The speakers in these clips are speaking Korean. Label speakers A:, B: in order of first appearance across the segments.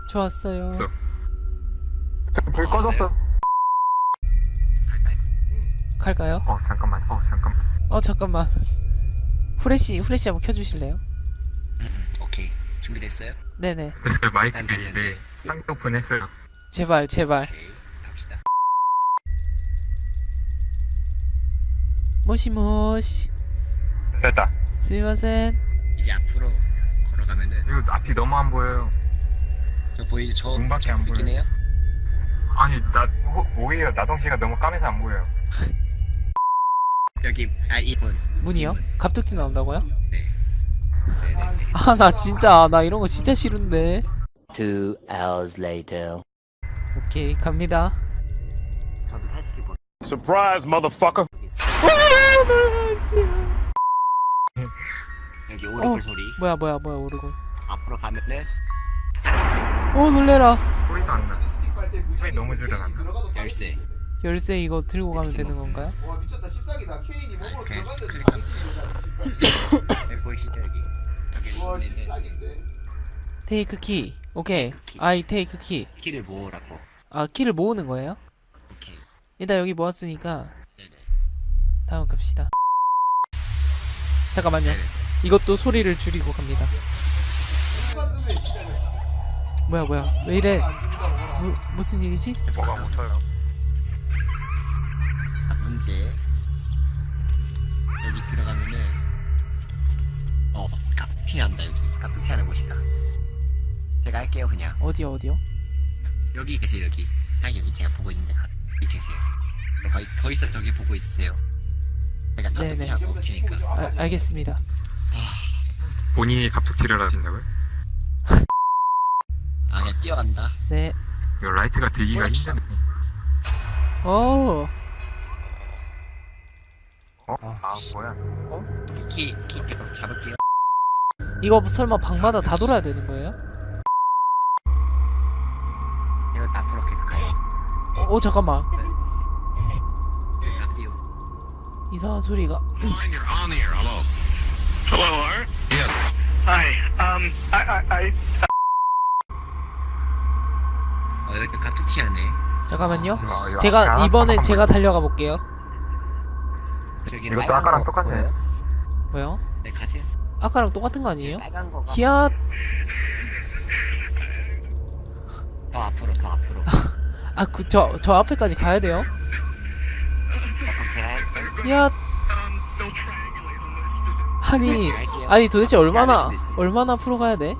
A: 좋았어요.
B: 불 꺼졌어.
A: 갈까요?
B: 잠깐만.
A: 잠깐만. 후레쉬 한번 켜주실래요?
C: 오케이. 준비됐어요?
A: 네네.
B: 됐어요. 마이크
C: 안
B: 빌리인데
C: 됐는데.
B: 쌍꺼풀 했어요.
A: 제발.
C: 오케이. 갑시다.
A: 모시모시.
B: 됐다.
A: 스미마센.
C: 이제 앞으로 걸어가면은
B: 이거 앞이 너무 안 보여요.
C: 저 보이죠? 저
B: 눈밖에 안
C: 보이긴
B: 보여요.
C: 해요?
B: 아니 오히려 나동씨가 너무 까매서 안 보여요.
C: 여기 이분.
A: 문이요? 갑툭튀 나온다고요?
C: 네. 네네네.
A: 아, 나 진짜 나 이런 거 진짜 싫은데.
D: 2 hours later.
A: 오케이, 갑니다.
C: 저도 살짝 뭐
E: Surprise, motherfucker.
C: 여기 오르골 소리.
A: 뭐야 오르고.
C: 앞으로 가면은
A: 놀래라.
B: 소리도 안 나. 소리 너무 줄여놨나?
C: 열쇠.
A: 열쇠 이거 들고 가면 되는 건가요?
F: 와 미쳤다 14기다 케인이 몸으로
C: 오케이,
F: 들어갔는데
C: 클릭하면
F: 당연히
C: 여기 보이시죠 여기? 여기
F: 와
C: 있는
F: 14기인데
A: 테이크 키. 오케이.
C: 키.
A: 아이 테이크 키.
C: 키를 모으라고.
A: 아, 키를 모으는 거예요?
C: 오케이.
A: 일단 여기 모았으니까
C: 네네.
A: 다음 갑시다. 잠깐만요.
C: 네네.
A: 이것도 소리를 줄이고 갑니다. 뭐야 왜 이래?
F: 안 준다고 뭐라
A: 무슨 일이지?
B: 뭐가 묻혀요?
C: 문제. 여기 들어가면은 깍두기 난다 여기. 깍두기 하는 곳이다. 제가 할게요 그냥.
A: 어디요?
C: 여기 계세요 여기. 딱 여기 제가 보고 있는데 여기 계세요. 더 있어 저기 보고 있으세요. 제가
A: 네네.
C: 깍두기 하고 올 테니까.
A: 알겠습니다.
B: 본인이 갑툭튀를 하신다고요?
C: 그냥 뛰어간다.
A: 네.
B: 이거 라이트가 들기가 힘드네.
A: 오.
B: 뭐야?
C: 키 잡을게요.
A: 이거 설마 방마다 다 돌아야 되는 거예요?
C: 이거 앞으로 계속 가요.
A: 잠깐만.
C: 라디오.
A: 이상한 소리가.
C: 여기 깍두기 하네.
A: 잠깐만요.
B: 이거
A: 제가
B: 아까
A: 이번에
B: 아까
A: 제가 달려가 볼게요.
C: 저기
B: 이것도
C: 빨간
B: 아까랑
C: 거
B: 똑같네.
C: 보여요?
A: 뭐요?
C: 네 가세요.
A: 아까랑 똑같은 거 아니에요?
C: 빨간 거가
A: 히앗.
C: 더 앞으로.
A: 저 앞에까지 가야 돼요?
C: 그럼 제가 할게요.
A: 히앗.
C: 제가 할게요.
A: 아니 도대체 얼마나
C: 잘할 수도 있어요.
A: 앞으로 가야 돼?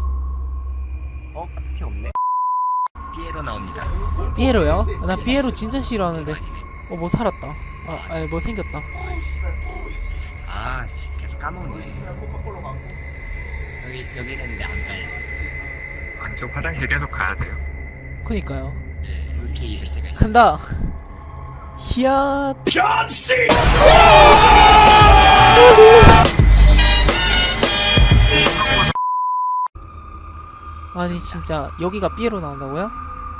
C: 깍두기 없네. 피에로 나옵니다.
A: 피에로요? 나 피에로 진짜 싫어하는데.
C: 아니네.
A: 뭐 살았다. 아니 뭐 생겼다.
C: 계속 까먹네. 여기는 근데 안 갈래.
B: 안쪽 화장실 계속 가야 돼요.
A: 그니까요.
C: 네, 이렇게 열쇠가 있어.
A: 간다. 히앗. 아니 진짜 여기가 삐에로 나온다고요?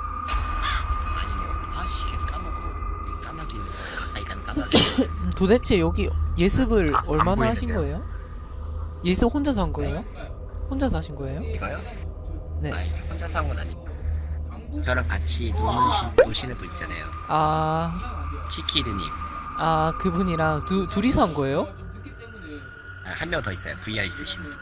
C: 아니네. 계속 까먹어. 까마귀는 가까이 가면 까마귀.
A: 도대체 여기 예습을
B: 안
A: 얼마나 하신
B: 보이는데요?
A: 거예요? 예습 혼자서 한 거예요? 혼자서 하신 거예요?
C: 이거요?
A: 네.
C: 아니 혼자 사온 건 아니고 저랑 같이 노시는 분 있잖아요. 치키르님.
A: 그분이랑 둘이서 한 거예요?
C: 한 명 더 있어요. VR 있으신 분.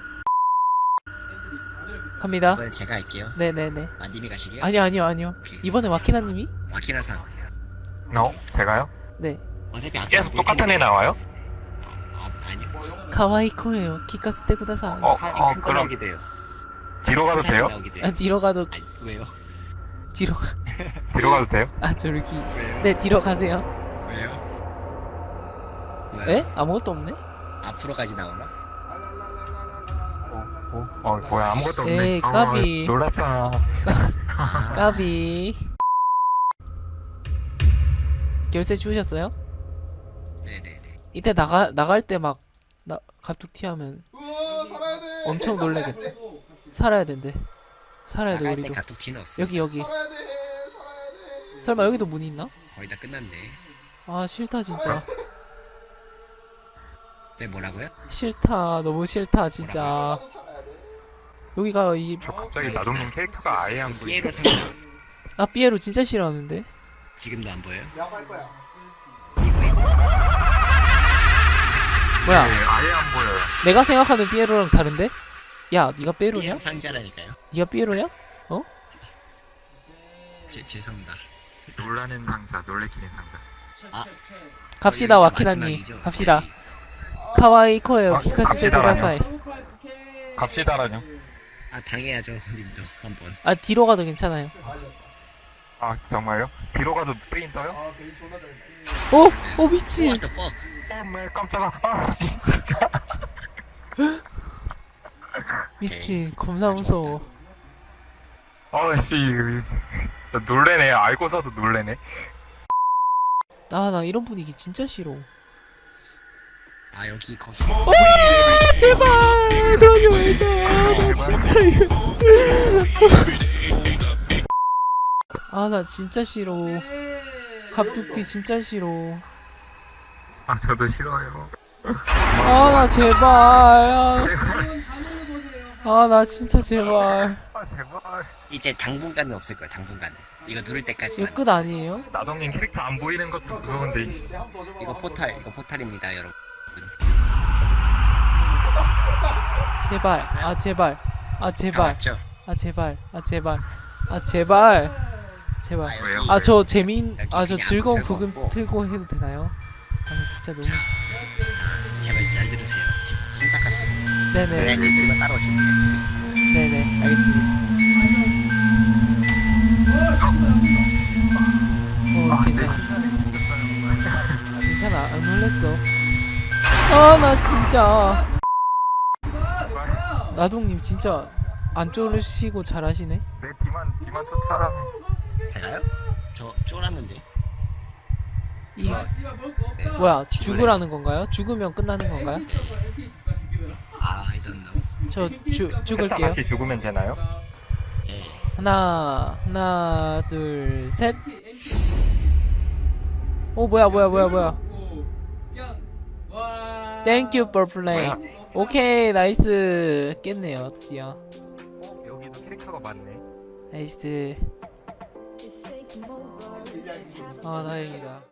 A: 갑니다.
C: 이번엔 제가 할게요.
A: 네네네.
C: 님이 가시게요?
A: 아니요. 이번에 마키나님이?
C: 마키나상.
B: 제가요?
A: 네.
C: 어차피 안
B: 계속
C: 보일
B: 똑같은
C: 텐데.
B: 애 나와요?
C: 아니요.
A: 카와이코예요. 키카스테 쿠다사.
C: 사람이 큰거
B: 그럼
C: 나오게 돼요.
B: 뒤로 가도
C: 큰 사진
B: 돼요?
C: 나오게 돼요.
A: 뒤로 가도
C: 왜요?
A: 뒤로 가.
B: 뒤로 가도 돼요?
A: 저기.
C: 왜요?
A: 네, 뒤로 가세요.
C: 왜요?
A: 에? 아무것도 없네?
C: 앞으로 가지 나오나?
B: 뭐야 아무것도 없네.
A: 에이, 까비.
B: 놀랐잖아.
A: 까비. 열쇠 주우셨어요?
C: 네네네.
A: 이때 나갈 때 막 갑툭튀 하면
F: 우와 살아야 돼
A: 엄청 놀래겠네. 살아야 된대. 살아야 돼
C: 나갈 때
A: 우리도.
C: 깍두기는 없어.
A: 여기.
F: 살아야 돼
A: 설마 여기도 문 있나?
C: 거의 다 끝났네.
A: 싫다 진짜.
C: 네 뭐라고요?
A: 싫다. 너무 싫다 진짜.
F: 나도 살아야 돼
A: 여기가 이
B: 저 갑자기 나동님 캐릭터가 아예 안 보이네.
C: 피에로 상자
A: 삐에로 진짜 싫어하는데.
C: 지금도 안 보여요?
F: 내가 갈 거야.
C: 이거에
A: 뭐야?
B: 네, 아예 안 보여요.
A: 내가 생각하는 삐에로랑 다른데? 야, 네가 삐에로냐?
C: 피에로 상자라니까요.
A: 네가 삐에로냐?
C: 죄송합니다.
B: 놀라는 상자, 놀래키는 상자.
C: 아
A: 갑시다, 와키나님.
C: 마지막이죠?
A: 갑시다.
C: 거의.
A: 카와이 코에요.
B: 아,
A: 키카스테
B: 갑시다라뇨.
A: 쿠다사이.
B: 갑시다라뇨.
C: 아 당해야죠 님도 한번.
A: 아, 뒤로 가도 괜찮아요.
F: 말렸다.
B: 아 정말요? 뒤로 가도 페인 떠요?
F: 아 베인 존나 잘했다.
A: 오 미친.
C: What the fuck?
B: 매 깜짝아. 아 진짜.
A: 미친. 겁나 무서워.
B: 아씨, 진짜 놀래네. 알고서도 놀래네.
A: 아, 나 이런 분위기 진짜 싫어.
C: 아 여기 거기
A: 제발 다녀야죠. 진짜 이거. 아, 나 진짜 싫어. 갑툭튀 진짜 싫어.
B: 아 저도 싫어요.
A: 아, 나 제발. 아, 나 진짜 제발.
B: 아 제발.
C: 이제 당분간은 없을 거야. 당분간은 이거 누를
A: 이거
C: 때까지만.
A: 끝 아니에요?
B: 나동님 캐릭터 안 보이는 것도 무서운데.
F: 내가 한번 더
C: 이거 포탈입니다 여러분.
A: 제발. 아, 제발. 아,
C: 다
A: 제발.
C: 왔죠?
A: 아, 제발. 아, 제발. 아, 제발. 제발.
B: 왜요?
A: 아, 저 재민,
C: 여기
A: 아, 저
C: 그냥
A: 즐거운
C: 별거
A: 부금
C: 없고.
A: 틀고 해도 되나요? 아, 진짜 너무.
C: 제발 잘 들으세요. 침착하시고.
A: 네네.
C: 그래야 제 팀은 따라오시면 돼요 지금부터.
A: 네네. 알겠습니다.
B: 아, 내
A: 괜찮아.
B: 심장이 진짜 써요.
A: 괜찮아. 안 놀랬어. 아, 나 진짜. 나동님 진짜 안 쫄으시고 잘하시네.
B: 내 뒤만 쫓아라며.
C: 제가요? 저 쫄았는데.
A: 이
C: 네.
A: 뭐야? 죽으라는 건가요? 죽으면 끝나는 건가요?
C: I don't know.
A: 저 죽을게요.
B: 같이 죽으면 되나요?
C: 예.
A: 하나, 둘, 셋. 오, 뭐야? Thank you for playing. 오케이, 나이스. 깼네요, 드디어.
B: 여기도 캐릭터가 많네.
A: 나이스. 아, 다행이다.